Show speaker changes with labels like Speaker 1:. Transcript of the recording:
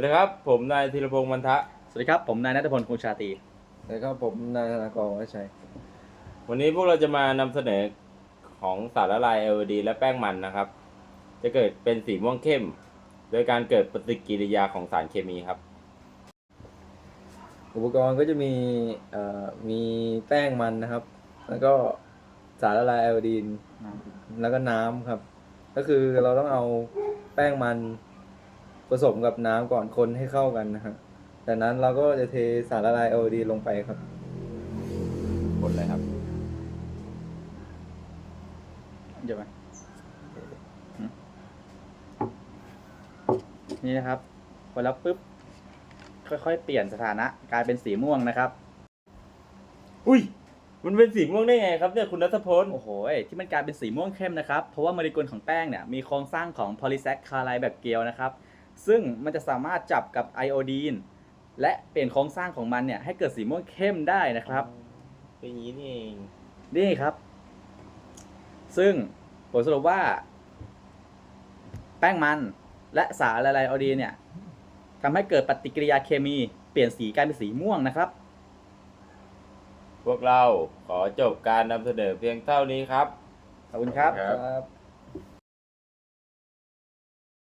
Speaker 1: ดีครับผมนายธีรพงษ์มันทะ
Speaker 2: สวัสดีครับผมนายณัฐพลคงชาตรี
Speaker 3: แล้วก็ผมนายธนากรวัชชัย
Speaker 1: วันนี้พวกเราจะมานำเสนอของสารละลาย LED และแป้งมันนะครับจะเกิดเป็นสีม่วงเข้มโดยการเกิดปฏิกิริยาของสารเคมีครับ
Speaker 3: อุปกรณ์ก็จะมีแป้งมันนะครับ แล้วก็สารละลายไอโอดีนแล้วก็น้ำครับ ก็คือเราต้องเอาแป้งมันผสมกับน้ำก่อนคนให้เข้ากันนะครับจากนั้นเราก็จะเทสารละลายไอโอดีนลงไปครับ
Speaker 1: คนเลยครับ
Speaker 2: เดี๋ยวมานี่นะครับพอแล้วปุ๊บค่อยๆเปลี่ยนสถานะกลายเป็นสีม่วงนะครับ
Speaker 1: อุ้ยมันเป็นสีม่วงได้ไงครับเนี่ยคุณณัฐพล
Speaker 2: โอ้โหที่มันกลายเป็นสีม่วงเข้มนะครับเพราะว่าโมเลกุลของแป้งเนี่ยมีโครงสร้างของโพลีแซคคาไรด์แบบเกลียวนะครับซึ่งมันจะสามารถจับกับไอโอดีนและเปลี่ยนโครงสร้างของมันเนี่ยให้เกิดสีม่วงเข้มได้นะครับ
Speaker 1: เป็นอย่างนี้นี่เอง
Speaker 2: นี่ครับ ซึ่งผลสรุปว่าแป้งมันและสารละลายไอโอดีนเนี่ยทำให้เกิดปฏิกิริยาเคมีเปลี่ยนสีกลายเป็นสีม่วงนะครับ
Speaker 1: พวกเราขอจบการนำเสนอเพียงเท่านี้ครับ
Speaker 2: ขอบคุณครับ
Speaker 1: ครับ
Speaker 3: ครับ